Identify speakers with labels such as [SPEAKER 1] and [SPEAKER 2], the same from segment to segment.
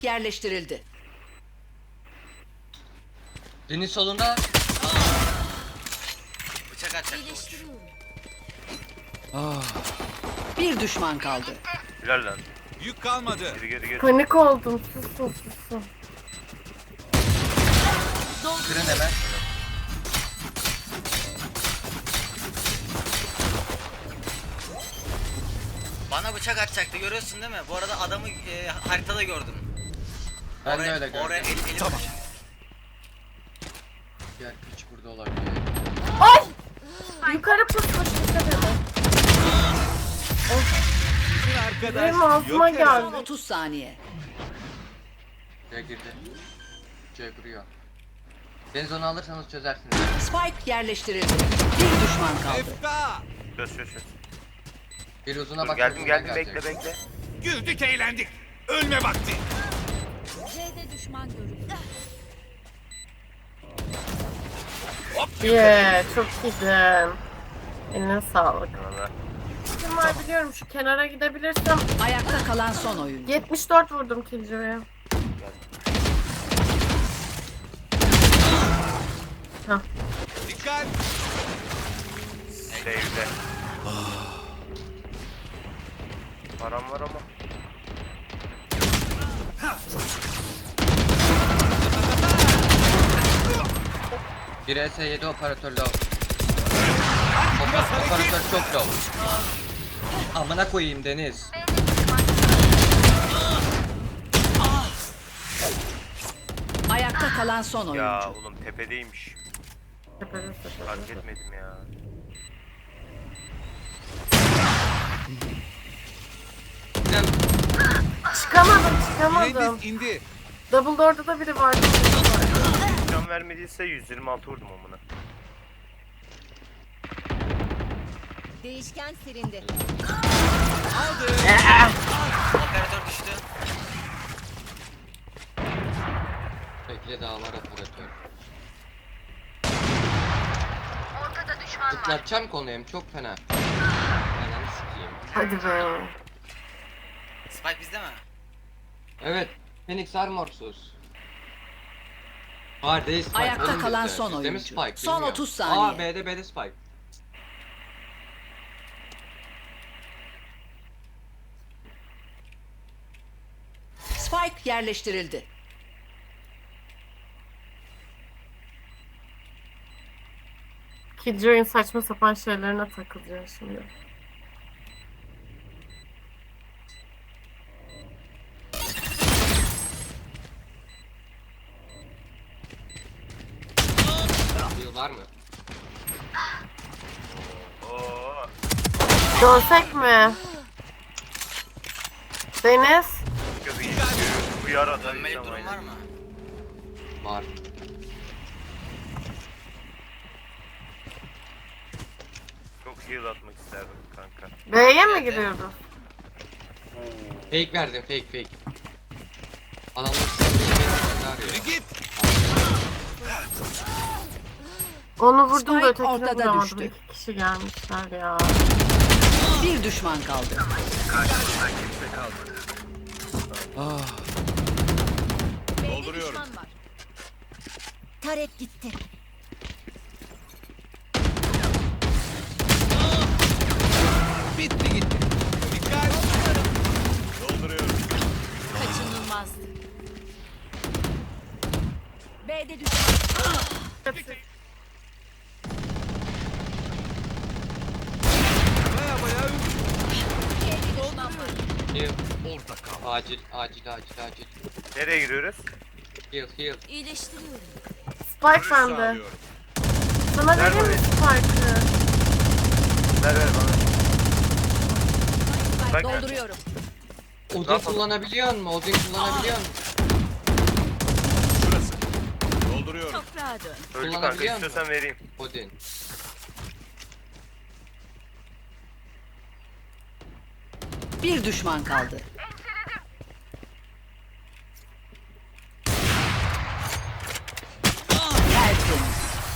[SPEAKER 1] yerleştirildi.
[SPEAKER 2] Deniz solunda.
[SPEAKER 3] Bıçak atacak.
[SPEAKER 1] Bir düşman kaldı.
[SPEAKER 4] Helal lan.
[SPEAKER 5] Yük kalmadı.
[SPEAKER 4] Geri.
[SPEAKER 6] Panik oldum. Susun.
[SPEAKER 2] Kırın hemen.
[SPEAKER 3] Bana bıçak atacaktı, görüyorsun değil mi? Bu arada adamı haritada gördüm.
[SPEAKER 2] Ben de öyle gördüm.
[SPEAKER 3] Oraya eli
[SPEAKER 5] Tamam.
[SPEAKER 2] Diğer piç burada olabilir.
[SPEAKER 6] Ay! Yukarı pusmuş dikkat edin.
[SPEAKER 5] Bir arkadaş
[SPEAKER 6] Benim ağzıma
[SPEAKER 5] yok herhalde.
[SPEAKER 6] geldi.
[SPEAKER 1] 30 saniye.
[SPEAKER 2] C'ye girdi. C kuruyor. Deniz onu alırsanız çözersiniz.
[SPEAKER 1] Spike yerleştirildi. Bir düşman kaldı.
[SPEAKER 5] Efta.
[SPEAKER 4] Çöz.
[SPEAKER 2] Bir uzuna
[SPEAKER 4] Dur,
[SPEAKER 2] bak.
[SPEAKER 4] geldim
[SPEAKER 2] uzuna
[SPEAKER 4] bekle.
[SPEAKER 2] gelecek.
[SPEAKER 5] Güldük eğlendik. Ölme vakti.
[SPEAKER 7] C'de düşman görüldü.
[SPEAKER 6] Çok iyiydin. Eline sağlık.
[SPEAKER 4] Valla.
[SPEAKER 6] Kim var biliyorum, şu kenara gidebilirsem.
[SPEAKER 1] Ayakta kalan son oyuncu.
[SPEAKER 6] 74 vurdum Killjoy'a.
[SPEAKER 5] Dikkat.
[SPEAKER 4] Evde. Param var ama.
[SPEAKER 2] Bir S7 operatör low. Operatör çok low. Amına koyayım Deniz.
[SPEAKER 1] Ayakta kalan son oyuncu.
[SPEAKER 4] Ya oğlum tepedeymiş. Fark etmedim ya.
[SPEAKER 6] Çıkamadım.
[SPEAKER 5] Mühendis indi.
[SPEAKER 6] Double door'da da biri vardı.
[SPEAKER 4] Can vermediyse 126 vurdum amına.
[SPEAKER 7] Değişken silindi.
[SPEAKER 3] operatör düştü.
[SPEAKER 2] Bekle daha var operatör. Zıplatacağım konuyu çok fena. Ananı sikeyim.
[SPEAKER 6] Hadi be.
[SPEAKER 3] Spike bizde mi?
[SPEAKER 2] Evet. Phoenix Armorsuz. Var değil Spike.
[SPEAKER 1] Ayakta
[SPEAKER 2] oğlum
[SPEAKER 1] kalan
[SPEAKER 2] bizde.
[SPEAKER 1] son
[SPEAKER 2] Bizde mi
[SPEAKER 1] oyuncu.
[SPEAKER 2] Spike?
[SPEAKER 1] Son
[SPEAKER 2] Bilmiyorum.
[SPEAKER 1] 30 saniye.
[SPEAKER 2] Aa B'de Spike.
[SPEAKER 1] Spike yerleştirildi.
[SPEAKER 6] Killjoy'un saçma sapan şeylerine takılacağım şimdi.
[SPEAKER 2] Yıl var mı?
[SPEAKER 4] Oo.
[SPEAKER 6] Dönsek mi? Deniz?
[SPEAKER 4] Gözü iyi. Uyar adam.
[SPEAKER 3] Dönmelik durum var mı?
[SPEAKER 2] Var.
[SPEAKER 4] Çok heal atmak isterdim kanka.
[SPEAKER 6] B'ye mi gidiyoruz?
[SPEAKER 2] Fake verdim fake. Adamlar sizi arıyor.
[SPEAKER 5] Yürü git.
[SPEAKER 6] Onu vurdum da
[SPEAKER 1] Spike
[SPEAKER 6] ötekini
[SPEAKER 1] ortada
[SPEAKER 6] vuramadım.
[SPEAKER 1] düştü.
[SPEAKER 6] 2 kişi gelmişler ya.
[SPEAKER 1] Bir düşman kaldı.
[SPEAKER 7] B'de
[SPEAKER 5] Dolduruyorum.
[SPEAKER 7] düşman var. Tarek gitti.
[SPEAKER 5] Bitti gitti. Dikkat. Dolduruyorum.
[SPEAKER 7] Kaçınılmazdı. B'de düşman.
[SPEAKER 5] Baya
[SPEAKER 7] B'de düşman var.
[SPEAKER 2] Heal.
[SPEAKER 5] orada kal.
[SPEAKER 2] Acil.
[SPEAKER 4] Nereye giriyoruz?
[SPEAKER 2] Heal.
[SPEAKER 7] İyileştiriyorum.
[SPEAKER 6] Spike bende.
[SPEAKER 5] Sağlıyorum.
[SPEAKER 6] Sana
[SPEAKER 4] Ver
[SPEAKER 6] vereyim mi Spike'ı?
[SPEAKER 4] Ver bana. Bak.
[SPEAKER 7] Dolduruyorum.
[SPEAKER 2] Odin kullanabiliyor musun?
[SPEAKER 5] Şurası. Dolduruyorum.
[SPEAKER 7] Toprağa dön.
[SPEAKER 4] Öldü kanka,
[SPEAKER 2] Kullanabiliyor musun?
[SPEAKER 4] istiyorsan vereyim.
[SPEAKER 2] Odin.
[SPEAKER 1] Bir düşman kaldı. Tertemiz.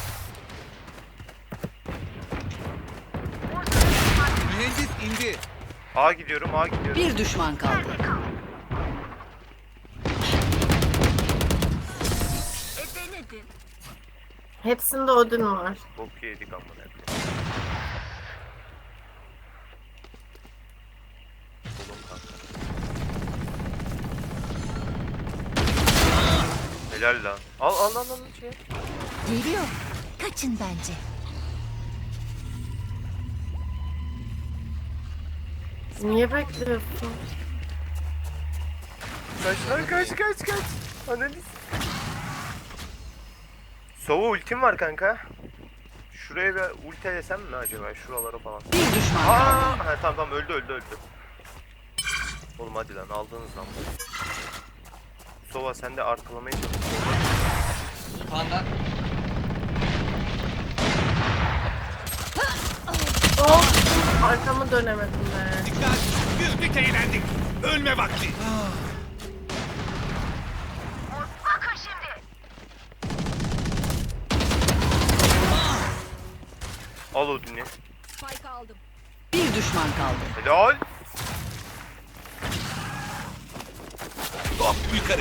[SPEAKER 5] Mühendis indi.
[SPEAKER 4] A gidiyorum.
[SPEAKER 1] Bir düşman kaldı.
[SPEAKER 6] Hepsinde Odin var.
[SPEAKER 8] Bok yedik amına koyayım. Oğlum kanka. Helal lan. Al şey.
[SPEAKER 7] Geliyor. Kaçın bence.
[SPEAKER 6] Niye bekliyorsun?
[SPEAKER 8] Kaç. Ananı Sova ultim var kanka. Şuraya bir ulti desem mi acaba? Şuralara falan.
[SPEAKER 1] Bir düşman kaldı.
[SPEAKER 8] Ha, tamam öldü. Oğlum hadi lan aldınız lan. Sova sen de arkalamaya çalış.
[SPEAKER 2] Panda.
[SPEAKER 6] Oh! Arkamı dönemedim be.
[SPEAKER 5] Dikkat. Güldük eğlendik. Ölme vakti.
[SPEAKER 8] Al Odin'i.
[SPEAKER 7] Spike aldım.
[SPEAKER 1] Bir düşman kaldı.
[SPEAKER 8] Helal.
[SPEAKER 5] Hop yukarı.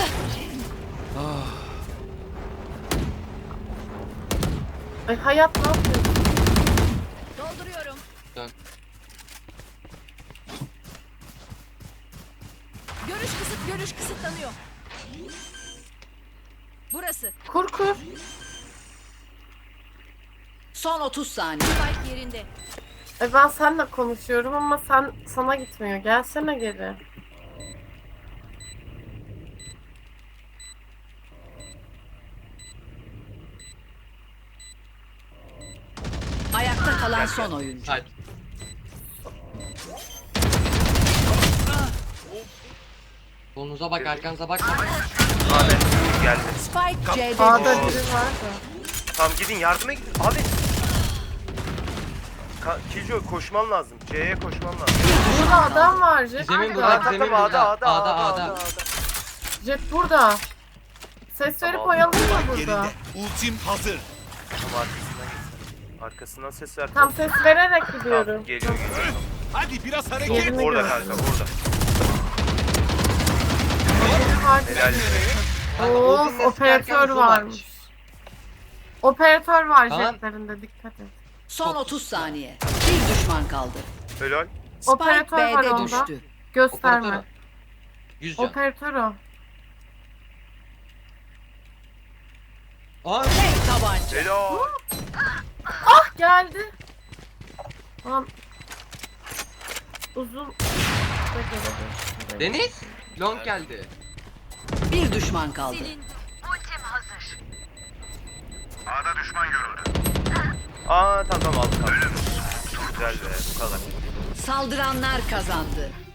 [SPEAKER 6] Ay hayat ne yapıyorsun?
[SPEAKER 7] Dolduruyorum.
[SPEAKER 2] Dön.
[SPEAKER 7] Görüş kısıtlanıyor. Burası.
[SPEAKER 6] Kur.
[SPEAKER 1] Son 30 saniye.
[SPEAKER 7] Spike yerinde.
[SPEAKER 6] Ben seninle konuşuyorum ama sana gitmiyor. Gelsene geri.
[SPEAKER 1] Ayakta kalan son oyuncu.
[SPEAKER 2] Hayır. Solunuza bak, arkanıza bak.
[SPEAKER 8] Ahmet geldi.
[SPEAKER 1] Spike C'de
[SPEAKER 6] A'da
[SPEAKER 1] düştü.
[SPEAKER 6] biri var da.
[SPEAKER 8] Tamam gidin yardıma gidin. Abi. Kijo koşman lazım. C'ye koşman lazım.
[SPEAKER 6] Burada adam var. Jet
[SPEAKER 2] Zemin
[SPEAKER 6] burada.
[SPEAKER 2] burada, zemin burada. A'da.
[SPEAKER 6] Jet burada. Ses verip
[SPEAKER 8] Tamam.
[SPEAKER 6] oyalayayım mı burada?
[SPEAKER 5] Yerinde. Ultim hazır.
[SPEAKER 8] Tamam arkasından gitsin. Arkasından ses ver.
[SPEAKER 6] Tam ses vererek
[SPEAKER 8] Tamam,
[SPEAKER 6] gidiyorum.
[SPEAKER 8] geliyor.
[SPEAKER 5] Hadi biraz hareket.
[SPEAKER 6] Yerini
[SPEAKER 8] Orada
[SPEAKER 6] gördüm.
[SPEAKER 8] kanka orada.
[SPEAKER 6] Helal.
[SPEAKER 8] Helal.
[SPEAKER 6] Of operatör varmış. Operatör var
[SPEAKER 2] Tamam.
[SPEAKER 6] jetlerinde dikkat et.
[SPEAKER 1] Son 30 saniye. Bir düşman kaldı.
[SPEAKER 8] Helal.
[SPEAKER 1] Spike
[SPEAKER 6] Operatör var
[SPEAKER 1] B'de
[SPEAKER 6] onda.
[SPEAKER 1] düştü.
[SPEAKER 6] Gösterme.
[SPEAKER 2] Operatör. 100 can.
[SPEAKER 6] Operatör o.
[SPEAKER 2] Aa,
[SPEAKER 1] Tek tabanca.
[SPEAKER 8] Helal.
[SPEAKER 6] Ah geldi. Tamam. Uzun. da gelebilir.
[SPEAKER 2] Deniz. Long geldi.
[SPEAKER 1] Bir düşman kaldı.
[SPEAKER 7] Silin.
[SPEAKER 8] Aa tamam aldık. Güzel be bu kadar.
[SPEAKER 1] Saldıranlar kazandı.